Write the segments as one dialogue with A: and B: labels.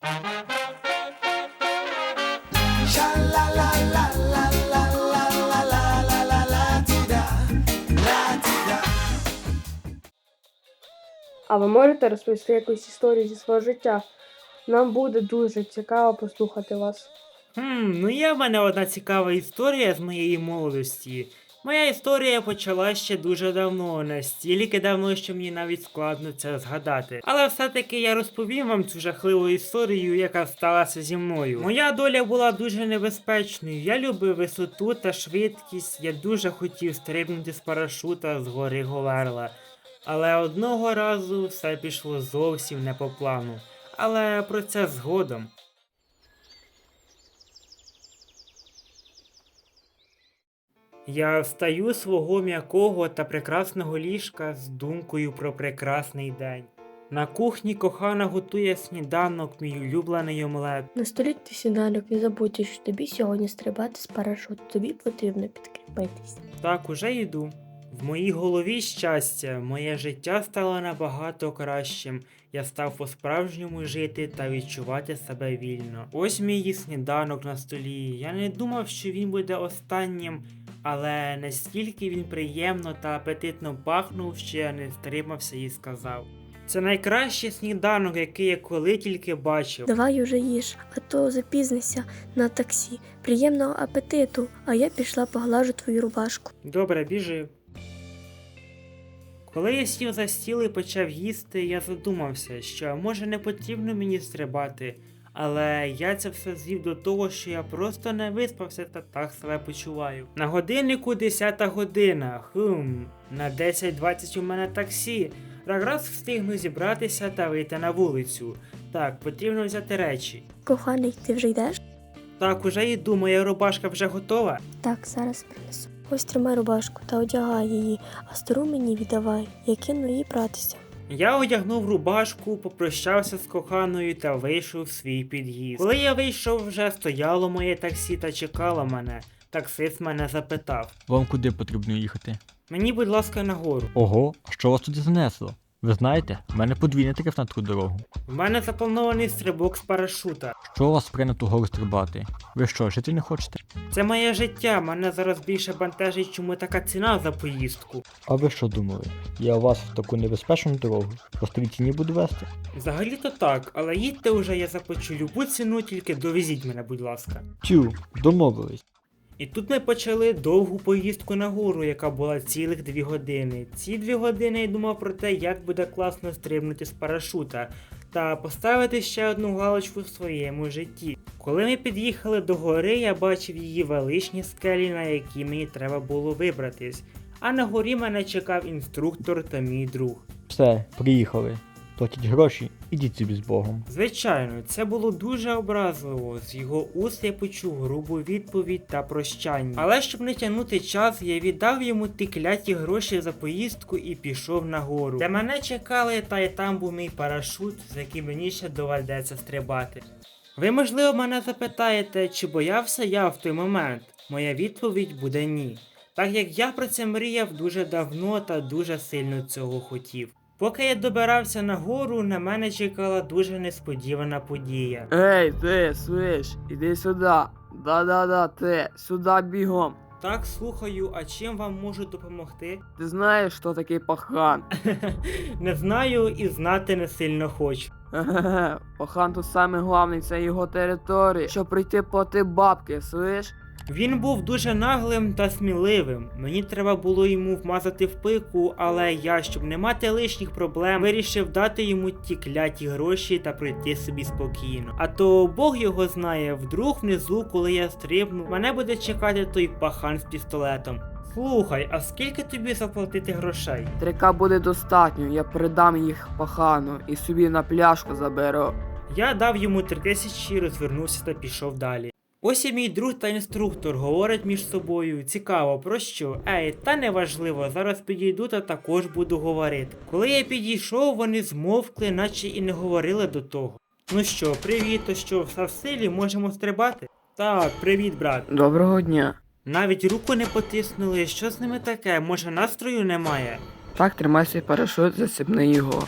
A: А ви можете розповісти якусь історію зі свого життя? Нам буде дуже цікаво послухати вас.
B: Ну є в мене одна цікава історія з моєї молодості. Моя історія почалась ще дуже давно, настільки давно, що мені навіть складно це згадати. Але все-таки я розповім вам цю жахливу історію, яка сталася зі мною. Моя доля була дуже небезпечною. Я любив висоту та швидкість, я дуже хотів стрибнути з парашута з гори Говерла. Але одного разу все пішло зовсім не по плану. Але про це згодом. Я встаю з свого м'якого та прекрасного ліжка з думкою про прекрасний день. На кухні кохана готує сніданок, мій улюблений омлет.
A: На столі ти сніданок, не забудь, що тобі сьогодні стрибати з парашуту, тобі потрібно підкріпитись.
B: Так, уже йду. В моїй голові щастя, моє життя стало набагато кращим. Я став по-справжньому жити та відчувати себе вільно. Ось мій сніданок на столі. Я не думав, що він буде останнім, але настільки він приємно та апетитно пахнув, що я не стримався і сказав: це найкращий сніданок, який я коли тільки бачив.
A: Давай уже їж, а то запізнися на таксі. Приємного апетиту, а я пішла поглажу твою рубашку.
B: Добре, біжи. Коли я сів за стіл і почав їсти, я задумався, що може не потрібно мені стрибати, але я це все звів до того, що я просто не виспався та так себе почуваю. На годиннику 10 година, на 10:20 у мене таксі. Якраз встигну зібратися та вийти на вулицю. Так, потрібно взяти речі.
A: Коханий, ти вже йдеш?
B: Так, уже йду, моя рубашка вже готова.
A: Так, зараз принесу. Ось тримай рубашку та одягай її, а стару мені віддавай, я кину її братися.
B: Я одягнув рубашку, попрощався з коханою та вийшов в свій під'їзд. Коли я вийшов, вже стояло моє таксі та чекало мене. Таксист мене запитав:
C: Вам куди потрібно їхати?
B: мені, будь ласка, нагору.
C: Ого, а що вас туди занесло? Ви знаєте, в мене подвійний тариф на таку дорогу.
B: В мене запланований стрибок з парашута.
C: Що вас прийнято гору стрибати? Ви що, жити не хочете?
B: Це моє життя, мене зараз більше бентежить, чому така ціна за поїздку.
C: А ви що думали? Я вас в таку небезпечну дорогу по старій ціні буду вести?
B: Взагалі-то так, але їдьте уже, я заплачу любу ціну, тільки довезіть мене, будь ласка.
C: Тю, домовились.
B: І тут ми почали довгу поїздку на гору, яка була цілих 2 години. Ці 2 години я думав про те, як буде класно стрибнути з парашута та поставити ще одну галочку в своєму житті. Коли ми під'їхали до гори, я бачив її величні скелі, на які мені треба було вибратись. А на горі мене чекав інструктор та мій друг.
C: Все, приїхали. Платіть гроші, ідіть собі з Богом.
B: Звичайно, це було дуже образливо. З його уст я почув грубу відповідь та прощання. Але щоб не тягнути час, я віддав йому ті кляті гроші за поїздку і пішов нагору. Де мене чекали, та й там був мій парашут, з яким мені ще доведеться стрибати. Ви, можливо, мене запитаєте, чи боявся я в той момент? Моя відповідь буде ні. Так як я про це мріяв дуже давно та дуже сильно цього хотів. Поки я добирався нагору, на мене чекала дуже несподівана подія.
D: Ей, ти, слиш, іди сюди. Да-да-да, ти, сюди бігом.
B: Так, слухаю, а чим вам можу допомогти?
D: Ти знаєш, хто такий пахан?
B: Не знаю і знати не сильно хочу.
D: Хе-хе-хе, пахан тут саме головний, це його територія. Щоб прийти плати бабки, слиш?
B: Він був дуже наглим та сміливим. Мені треба було йому вмазати в пику, але я, щоб не мати лишніх проблем, вирішив дати йому ті кляті гроші та пройти собі спокійно. А то Бог його знає, вдруг внизу, коли я стрибну, мене буде чекати той пахан з пістолетом. Слухай, а скільки тобі заплатити грошей?
D: 3К буде достатньо, я передам їх пахану і собі на пляшку заберу.
B: Я дав йому 3000, розвернувся та пішов далі. Ось і мій друг та інструктор говорять між собою. Цікаво, про що? Та неважливо, зараз підійду та також буду говорити. Коли я підійшов, вони змовкли, наче і не говорили до того. Ну що, привіт, то що, все в силі, можемо стрибати? Так, привіт, брат.
D: Доброго дня.
B: Навіть руку не потиснули, що з ними таке, може настрою немає?
D: Так, тримай свій парашут, засібни його.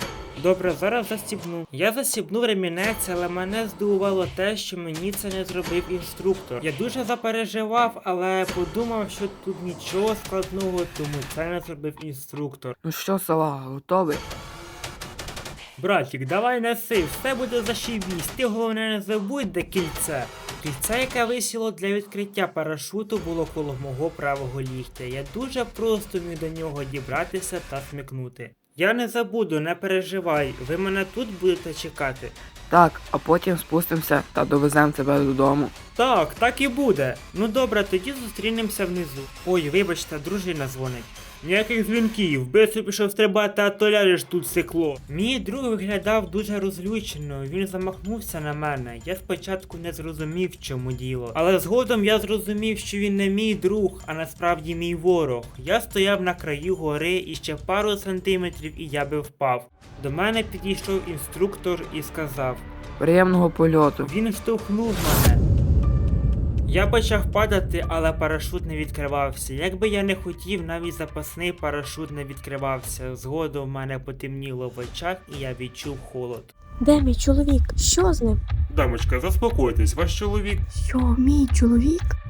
B: Добре, зараз застібну. Я застібнув ремінець, але мене здивувало те, що мені це не зробив інструктор. Я дуже запереживав, але подумав, що тут нічого складного, тому це не зробив інструктор.
D: Ну що, салага, готовий?
B: Братік, давай неси, все буде зашибісь. Ти головне не забудь, де кільце. Кільце, яке висіло для відкриття парашуту, було коло мого правого ліктя. Я дуже просто міг до нього дібратися та смикнути. Я не забуду, не переживай, ви мене тут будете чекати.
D: Так, а потім спустимося та довеземо тебе додому.
B: Так і буде. Ну добре, тоді зустрінемося внизу. Ой, вибачте, дружина дзвонить. Ніяких дзвінків, бистро пішов стрибати, а то ляжеш тут сикло. Мій друг виглядав дуже розлючено, він замахнувся на мене. Я спочатку не зрозумів, в чому діло. Але згодом я зрозумів, що він не мій друг, а насправді мій ворог. Я стояв на краю гори і ще пару сантиметрів і я би впав. До мене підійшов інструктор і сказав:
D: Приємного польоту.
B: він штовхнув мене. Я почав падати, але парашут не відкривався. Якби я не хотів, навіть запасний парашут не відкривався. Згодом в мене потемніло в очах і я відчув холод.
A: Де мій чоловік? Що з ним?
B: Дамочка, заспокойтесь, ваш чоловік.
A: Що, мій чоловік?